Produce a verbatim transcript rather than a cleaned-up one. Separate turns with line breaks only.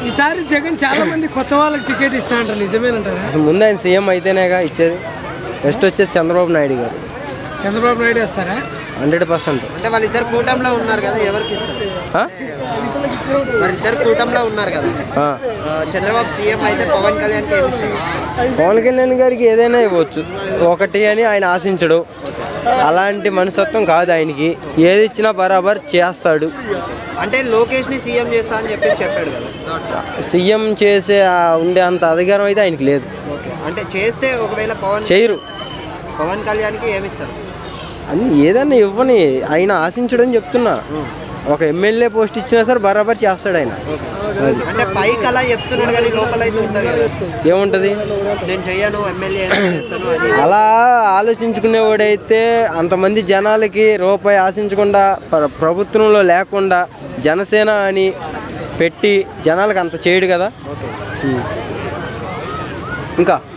ఈసారి జగన్ చాలా మంది కొత్త వాళ్ళకి టికెట్ ఇస్తా అంటారు, నిజమేనంటారా?
ముందు ఆయన సీఎం అయితేనేగా ఇచ్చేది. నెక్స్ట్ వచ్చేసి చంద్రబాబు నాయుడు గారు.
చంద్రబాబు నాయుడు వస్తారా?
Hundred percent.
అంటే వాళ్ళిద్దరు కూటమిలో ఉన్నారు కదా, ఎవరికి ఇస్తారు? వాళ్ళిద్దరు కూటమిలో ఉన్నారు కదా. చంద్రబాబు సీఎం అయితే పవన్ కళ్యాణ్కి ఏమి ఇస్తారు?
పవన్ కళ్యాణ్ గారికి ఏదైనా ఇవ్వచ్చు, ఒకటి అని ఆయన ఆశించడు. అలాంటి మనస్తత్వం కాదు ఆయనకి, ఏది ఇచ్చినా బరాబర్ చేస్తాడు.
అంటే లోకేష్ని సీఎం చేస్తా అని చెప్పేసి చెప్పాడు కదా.
సీఎం చేసే ఉండే అంత అధికారం అయితే ఆయనకి లేదు.
అంటే చేస్తే ఒకవేళ పవన్
చేయరు.
పవన్ కళ్యాణ్కి ఏమి ఇస్తారు?
అని ఏదైనా ఇవ్వని, ఆయన ఆశించడని చెప్తున్నా. ఒక ఎమ్మెల్యే పోస్ట్ ఇచ్చినా సరే బరాబర్ చేస్తాడు ఆయన.
అంటే పైకి అలా చెప్తున్నాడు కానీ లోపల అయితే ఉంటుంది కదా.
ఏముంటుంది?
నేను చెయ్యను, ఎమ్మెల్యే చేస్తాను అది.
అలా ఆలోచించుకునేవాడైతే అంతమంది జనాలకి రూపాయి ఆశించకుండా, ప్రభుత్వంలో లేకుండా జనసేన అని పెట్టి జనాలకు అంత చేయడు కదా. ఇంకా